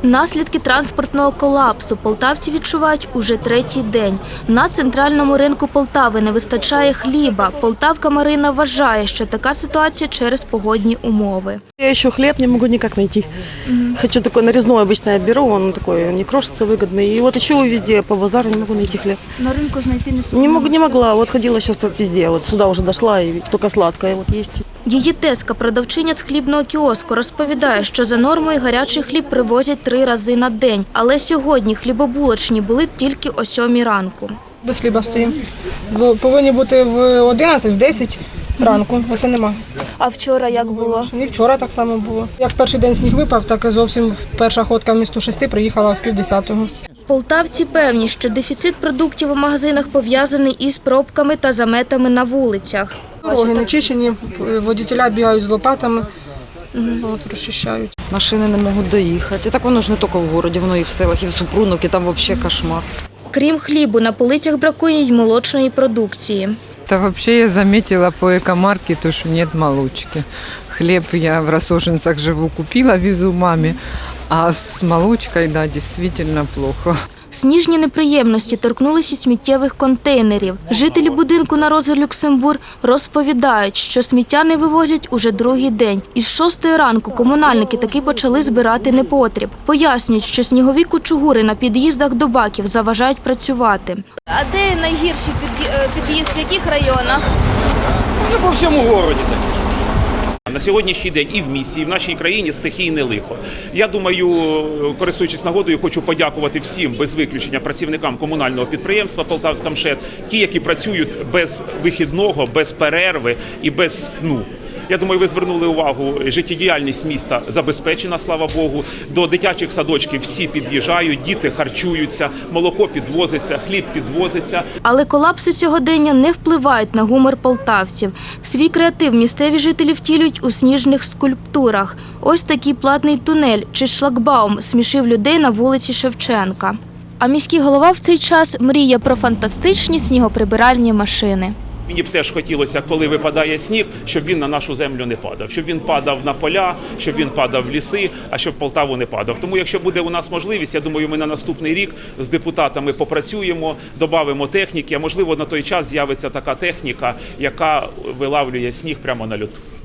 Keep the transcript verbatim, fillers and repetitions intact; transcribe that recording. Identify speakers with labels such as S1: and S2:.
S1: Наслідки транспортного колапсу полтавці відчувають уже третій день. На центральному ринку Полтави не вистачає хліба. Полтавка Марина вважає, що така ситуація через погодні умови.
S2: Я ще хліб не можу ніяк знайти. Угу. Хочу такой нарезной обычно я беру, он такой не крошится, выгодный. И вот ищу везде по базару, не могу найти хлеб.
S1: На рынку знайти не смогла?
S2: Не, мог, не могла, вот ходила сейчас по везде, вот сюда уже дошла и только сладкое вот есть.
S1: Її тезка, продавчиня з хлібного кіоску, розповідає, що за нормою гарячий хліб привозять три рази на день. Але сьогодні хлібобулочні були тільки о сьомій ранку.
S3: Без хліба стоїмо. Повинні бути в одинадцять, в десять ранку, оце нема.
S1: А вчора як було?
S3: І вчора так само було. Як перший день сніг випав, так і зовсім перша ходка вмісто шести приїхала в півдесятого.
S1: Полтавці певні, що дефіцит продуктів у магазинах пов'язаний із пробками та заметами на вулицях.
S3: Дороги не чищені, водітеля бігають з лопатами, от, розчищають.
S4: Машини не можуть доїхати. І так воно ж не тільки в місті, воно і в селах, і в Супруновці, там взагалі кошмар.
S1: Крім хлібу, на полицях бракує й молочної продукції.
S5: Да вообще я заметила по экомаркету, что нет молочки. Хлеб я в Рассошинцах живу, купила, везу маме, а с молочкой, да, действительно плохо.
S1: Сніжні неприємності торкнулися сміттєвих контейнерів. Жителі будинку на Роза Люксембург розповідають, що сміття не вивозять уже другий день. Із шостої ранку комунальники таки почали збирати непотріб. Пояснюють, що снігові кучугури на під'їздах до баків заважають працювати.
S6: А де найгірший під'їзд, в яких районах?
S7: Ну, по всьому місті такі. На сьогоднішній день і в місті, і в нашій країні стихійне лихо. Я думаю, користуючись нагодою, хочу подякувати всім, без виключення, працівникам комунального підприємства «Полтавська МШЕД», ті, які працюють без вихідного, без перерви і без сну. Я думаю, ви звернули увагу, життєдіяльність міста забезпечена, слава Богу. До дитячих садочків всі під'їжджають, діти харчуються, молоко підвозиться, хліб підвозиться.
S1: Але колапси сьогодення не впливають на гумор полтавців. Свій креатив місцеві жителі втілюють у сніжних скульптурах. Ось такий платний тунель чи шлагбаум смішив людей на вулиці Шевченка. А міський голова в цей час мріє про фантастичні снігоприбиральні машини.
S7: Мені б теж хотілося, коли випадає сніг, щоб він на нашу землю не падав. Щоб він падав на поля, щоб він падав в ліси, а щоб в Полтаву не падав. Тому якщо буде у нас можливість, я думаю, ми на наступний рік з депутатами попрацюємо, додамо техніки, а можливо на той час з'явиться така техніка, яка вилавлює сніг прямо на льоту.